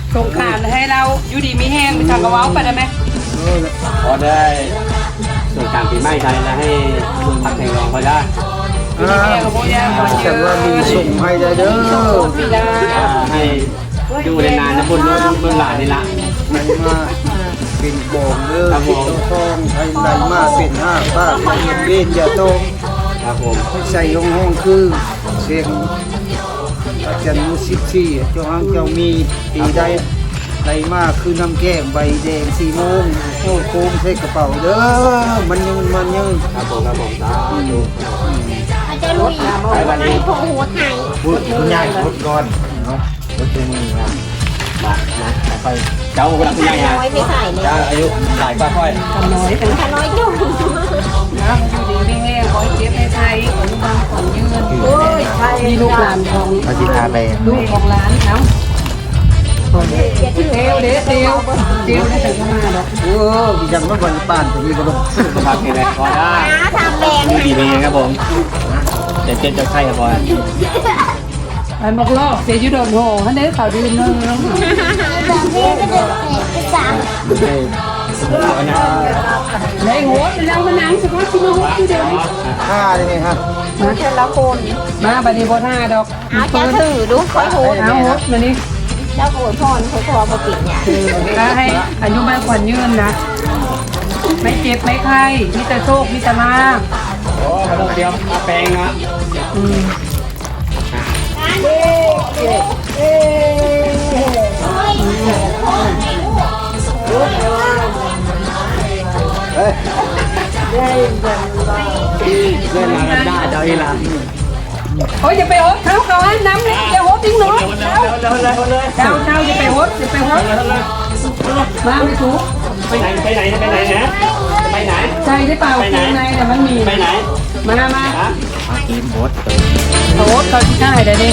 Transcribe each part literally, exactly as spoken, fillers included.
สงขารให้เราอยู่ดีมีแห้งไปทางกระเว้าไปได้ไหมพอได้ส่วนการปีใหม่ไทยแล้วให้คุณพักแข่งรองเขาได้อยู่ดีมีแห้งกับโบย่างก่อนเยแต่อะว่ามีส่งให้ได้เด้อปีดาให้อยู่ในนานนะบุญเมืองหลานนี่ละมันมาเป็นบองเด้อที่ต้องท่องให้ได้มาเป็นห้าป้าเรียนเบนอย่าโตครับผมให้ใส่ห้องห้องคือเสียงอาจารย์มุสิบสี่เจ้าห้างเจ้ามีปีใดได้มาคือน้ำแก้มใบแดงสี่โมงโอ้โค้งใส่กระเป๋าเด้อมันยืนมันยืนครับผมครับผมสาธุอาจจะลุยให้พอหัวไทยพูดคุณยายพูดก่อนเนาะพูดตัวมือมามานะไปเจ้าคนละคุณยายฮะน้อยไม่ใส่เลยเจ้าอายุหลายกว่าค่อยทำน้อยเป็นถ้าน้อยจุ่มนะอยู่ดีมีแห้งขอให้เจ็บให้ไทยขอให้บางขอนยืนโอ้ยมีลูกหลานของเขาจิตาไปลูกของร้านเนาะเตียวเด็ดเตียวเตียวได้ถึงมาดอกโอ้ยังไม่วันป่านแต่นี่ก็ต้องพักแข่งรองพอได้น้าทำแรงดูดีเป็นครับผมจะเจ็บจะไข้ครับพอไอ้หมกลอกเสียยุดโดนโหฮันเด้ข่าวดีนึงแบบนี้ก็เด็กเป็นสามในหัวเรามานั่งเฉพาะที่มาหัวที่เดียวห้าได้ไหมฮะมาเธอละคนมาบัดนี้บ่ท่าดอกเอาเจ้าตื่นดูคอยโหดเอาหัวมานี่เจ้าโหดพรคอยคอมาปิดเนี่ยถ้าให้อายุมากกว่ายืนนะ ไม่เจ็บไม่ไข้มีแต่โชคมีแต่ลาภโอ้ไม่ต้องเตรียมมาแปลงนะอืมเล่นมากันได้เจ้าอีหลานโอ้ยอย่าไปโหดเขาเขาให้น้ำเลยอย่าโหดทิ้งหนูเร็วเร็วเร็วเร็วเลยเจ้าเจ้าอย่าไปโหดอย่าไปโหดมาไม่ถูกไปไหนไปไหนไปไหนนะไปไหนใช่ได้เปล่าข้างในแต่มันมีไปไหนมามาฮะมาทีมโบสโหดเขาที่ได้เดี๋ยวนี้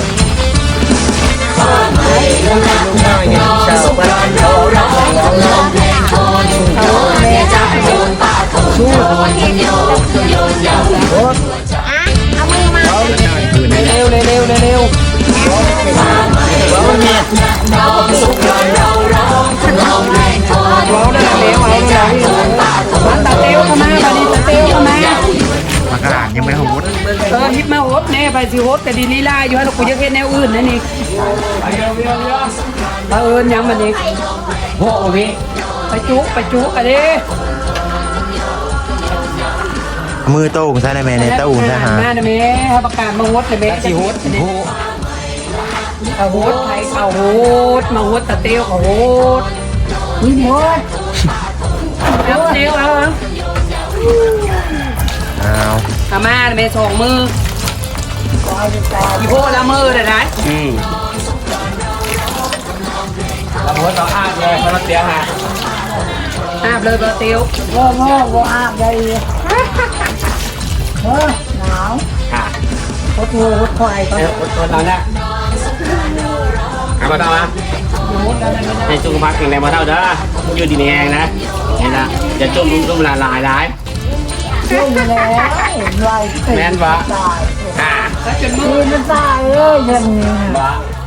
ลูกชายไงชาวบ้านเขาเขาแม่จ้าไปโหดสู้อ่ะเอามือมาเร็วเร็วเร็วเร็วเร็วแล้วมันมีเราได้แล้วเอาแล้วมาตาเตียวเข้ามาบัดนี้ตาเตียวเข้ามามากระดานยังไม่หดเออฮิปมาโหดแน่ไปสิโหดแต่ดีลีลาอยู่ให้เราคุยเฮ็ดแนวอื่นนั่นนี่ไปเร็วเร็วเร็วเออยังบัดนี้โอ้โหพี่ไปจุกไปจุกอะดิมือโต้งใช่ไหมแม่ในเต้าใช่ฮะมาเด้อแม่ให้ประกาศมาโหดเลยแม่สิโหดเอาโหดไทยเอาโหดมาโหดตาเตียวเขาโหดนี่โหดเอาเตียวเอาเอาเอามาเด้อแม่สองมืออีโพละมือเด้อได้อืมแล้วหัวต่ออาบเลยเพราะเราเสียหายอาบเลยตาเตียวพ่อพ่อพ่ออาบได้เออหนาวค่ะโหดงูโหดควายก็เอ้ยอดทนเราเนี่ยเอามาต่อมาโหดอะไรไม่ได้ให้สุขภาพแข็งแรงมาเท่าเด้ออยู่ดีมีแรงนะเห็นละจะจมลุ่มลุ่มละลายร้ายชุ่มแล้วไวแม่นวะอ่าแล้วจนมือมันตายเอ้ยยังวะ